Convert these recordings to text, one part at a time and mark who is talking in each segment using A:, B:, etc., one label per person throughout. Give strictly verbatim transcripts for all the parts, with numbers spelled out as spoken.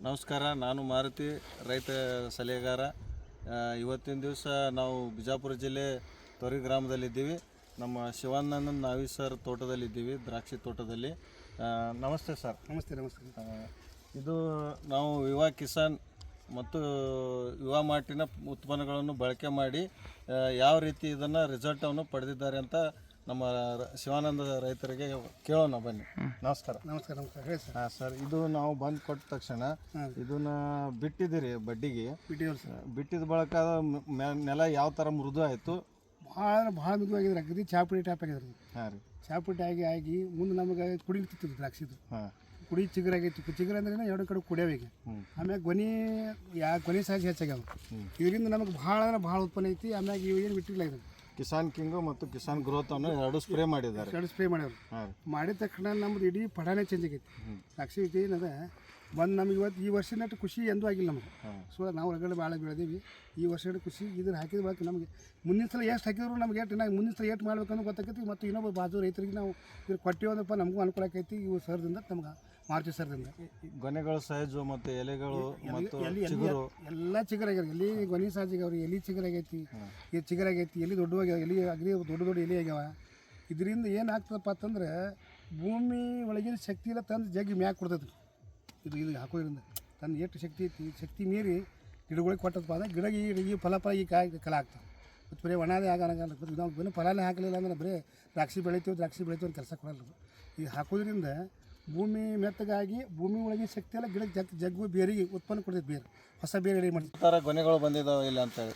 A: ನಮಸ್ಕಾರ, ನಾನು ಮಾರುತಿ, ರೈತ ಸಲಹೆಗಾರ. ಇವತ್ತಿನ ದಿವಸ ನಾವು ಬಿಜಾಪುರ ಜಿಲ್ಲೆ ತೊರಿ ಗ್ರಾಮದಲ್ಲಿದ್ದೀವಿ. ನಮ್ಮ ಶಿವಾನಂದ ನಾವಿ ಸರ್ ತೋಟದಲ್ಲಿದ್ದೀವಿ, ದ್ರಾಕ್ಷಿ ತೋಟದಲ್ಲಿ. ನಮಸ್ತೆ ಸರ್.
B: ನಮಸ್ತೆ ನಮಸ್ತೆ
A: ಇದು ನಾವು ವಿವಾ ಕಿಸಾನ್ ಮತ್ತು ಯುವ ಮಾರ್ಟಿನ ಉತ್ಪನ್ನಗಳನ್ನು ಬಳಕೆ ಮಾಡಿ ಯಾವ ರೀತಿ ಇದನ್ನು ರಿಸಲ್ಟನ್ನು ಪಡೆದಿದ್ದಾರೆ ಅಂತ ನಮ್ಮ ಶಿವಾನಂದ ರೈತರಿಗೆ ಕೇಳೋಣ ಬನ್ನಿ. ನಮಸ್ಕಾರ.
B: ನಮಸ್ಕಾರ ನಮಸ್ಕಾರ ಹೇಳಿ ಸರ್.
A: ಹಾಂ ಸರ್, ಇದು ನಾವು ಬಂದು ಕೊಟ್ಟ ತಕ್ಷಣ ಇದನ್ನ ಬಿಟ್ಟಿದ್ದೀರಿ ಬಡ್ಡಿಗೆ.
B: ಬಿಟ್ಟಿದ್ದೀವಿ ಸರ್.
A: ಬಿಟ್ಟಿದ ಬಳಕ ನೆಲ ಯಾವ ಥರ ಮೃದು ಆಯಿತು?
B: ಭಾಳ ಭಾಳ ಮೃದುವಾಗಿದ್ರೆ ಅಗದಿ ಚಾಪುಡಿ ಟೈಪ್ ಆಗಿದ್ರೆ.
A: ಹಾಂ ರೀ,
B: ಚಾಪುಡಿ ಆಗಿ ಆಗಿ ಮುಂದೆ ನಮಗೆ ಕುಡಿತಿತ್ತು ದ್ರಾಕ್ಷಿದು.
A: ಹಾಂ,
B: ಕುಡಿ ಚಿಗುರಾಗೈತಿ. ಚಿಗುರು ಅಂದ್ರೆ ಎರಡು ಕಡೆ ಕುಡಿಯೋವಿಗೆ. ಆಮ್ಯಾಗ ಗೊನೆ ಯಾ ಗೊನೆ ಸಹಜ ಹೆಚ್ಚಾಗ್ಯಾವ. ಇದರಿಂದ ನಮಗೆ ಭಾಳ ಅಂದ್ರೆ ಭಾಳ ಉತ್ಪನ್ನ ಐತಿ. ಆಮ್ಯಾಗ ಇವು ಏನು ಬಿಟ್ಟಿಲ್ಲ ಇದು
A: ಕಿಸಾನ್ ಕಿಂಗು ಮತ್ತು ಕಿಸಾನ್ ಗ್ರೋತ್ ಅನ್ನು ಎರಡು ಸ್ಪ್ರೇ ಮಾಡಿದ್ದಾರೆ.
B: ಎರಡು ಸ್ಪ್ರೇ ಮಾಡ್ಯಾರ. ಮಾಡಿದ ತಕ್ಷಣ ನಮ್ದು ಇಡೀ ಪಡಾನೇ ಚೇಂಜ್ ಆಗೈತಿ. ದ್ರಾಕ್ಷಿ ಏನದ ಬಂದು ನಮ್ಗೆ ಇವತ್ತು ಈ ವರ್ಷನಟ್ಟು ಖುಷಿ ಎಂದೂ ಆಗಿಲ್ಲ ನಮಗೆ. ಸೊ ನಾವು ಹೊರಗಡೆ ಭಾಳ ಬೆಳೆದೀವಿ. ಈ ವರ್ಷ ಖುಷಿ ಇದನ್ನು ಹಾಕಿದ ಬಳಕ ನಮಗೆ ಮುಂದಿನ ಸಲ ಎಷ್ಟು ಹಾಕಿದ್ರು ನಮ್ಗೆ ಎಷ್ಟು ನಾವು ಮುಂದಿನ ಸಲ ಎಷ್ಟು ಮಾಡ್ಬೇಕನ್ನೋ ಗೊತ್ತಾಕೈತಿ. ಮತ್ತು ಇನ್ನೊಬ್ಬ ಬಾಜು ರೈತರಿಗೆ ನಾವು ಇದ್ರ ಕೊಟ್ಟಿವಪ್ಪ ನಮಗೂ ಅನುಕೂಲ ಆಕೈತಿ. ಇವು ಸರ್ದಿಂದ ನಮ್ಗೆ ಮಾರುತಿ ಸರ್ದಿಂದ
A: ಗೊನೆಗಳು ಸಹಜ ಮತ್ತು ಎಲೆಗಳು ಮತ್ತು
B: ಎಲ್ಲ ಚಿಗುರಾಗ್ಯಾರ. ಎಲ್ಲಿ ಗೊನೆ ಸಹಜಾಗ್ಯಾವ್ರಿ, ಎಲ್ಲಿ ಚಿಗುರಾಗೈತಿ, ಇದು ಚಿಗುರಾಗೈತಿ, ಎಲ್ಲಿ ದೊಡ್ಡವಾಗ್ಯಾವ, ಎಲ್ಲಿ ಅಗ್ರಿ ದೊಡ್ಡ ದೊಡ್ಡ ಎಲೆ ಆಗ್ಯಾವ. ಇದರಿಂದ ಏನು ಆಗ್ತದಪ್ಪ ಅಂತಂದ್ರೆ ಭೂಮಿ ಒಳಗಿನ ಶಕ್ತಿ ಎಲ್ಲ ತಂದು ಜಗ್ಗಿ ಮ್ಯಾಗ ಕೊಡ್ತೈತಿ. ಇದು ಇದು ಹಾಕೋದ್ರಿಂದ ತನ್ನ ಎಷ್ಟು ಶಕ್ತಿ ಐತಿ, ಶಕ್ತಿ ಮೀರಿ ಗಿಡಗಳಿಗೆ ಕೊಟ್ಟದಪ್ಪ ಅಂದ್ರೆ ಗಿಡ ಈ ಫಲ ಫಲ ಈ ಕಾಯಿ ಕಲ ಆಗ್ತವೆ. ಮತ್ತು ಬರೀ ಒಣದೇ ಆಗಲ್ಲ. ನಾವು ಬರೀ ಫಲನೇ ಹಾಕಲಿಲ್ಲ ಅಂದ್ರೆ ಬರೀ ದ್ರಾಕ್ಷಿ ಬೆಳಿತೀವಿ ದ್ರಾಕ್ಷಿ ಬೆಳಿತೀವಿ ಅಂತ ಕೆಲಸ ಕೊಡಲ್ಲ. ಇದು ಹಾಕೋದ್ರಿಂದ ಭೂಮಿ ಮೆತ್ತಗಾಗಿ ಭೂಮಿ ಒಳಗಿನ ಶಕ್ತಿ ಎಲ್ಲ ಗಿಡಕ್ಕೆ ಜಗ್ ಜಗ್ಗು ಬೇರಿಗೆ ಉತ್ಪನ್ನ ಕೊಡ್ತೈತೆ. ಬೇರೆ ಹೊಸ ಬೇರೆ ರೆಡಿ ಮಾಡ್ತೀವಿ.
A: ಥರ ಗೊನೆಗಳು ಬಂದಿದ್ದಾವೆ ಇಲ್ಲ ಅಂತೇಳಿ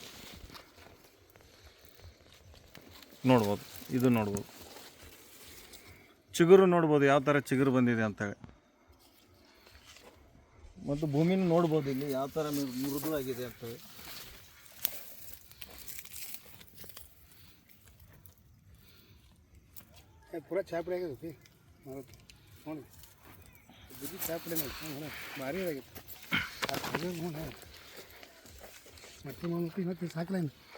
A: ನೋಡ್ಬೋದು. ಇದು ನೋಡ್ಬೋದು, ಚಿಗುರು ನೋಡ್ಬೋದು ಯಾವ ಥರ ಚಿಗುರು ಬಂದಿದೆ ಅಂತೇಳಿ. ಮತ್ತು ಭೂಮಿನ ನೋಡ್ಬೋದು ಇಲ್ಲಿ ಯಾವ ಥರ ಮೃದು ಆಗಿದೆ ಅಂತೇಳಿ.
B: ಪೂರಾ ಚಾಪಡಿ ಆಗಿದೆ ನೋಡಿ ನೋಡಿ ಬುದ್ಧಿ ಚಾಪಡಿ ಭಾರಿ ಆಗೈತೆ. ನೋಡಿ ಮತ್ತೆ ಮತ್ತೆ ಸಾಕಲ್ಲ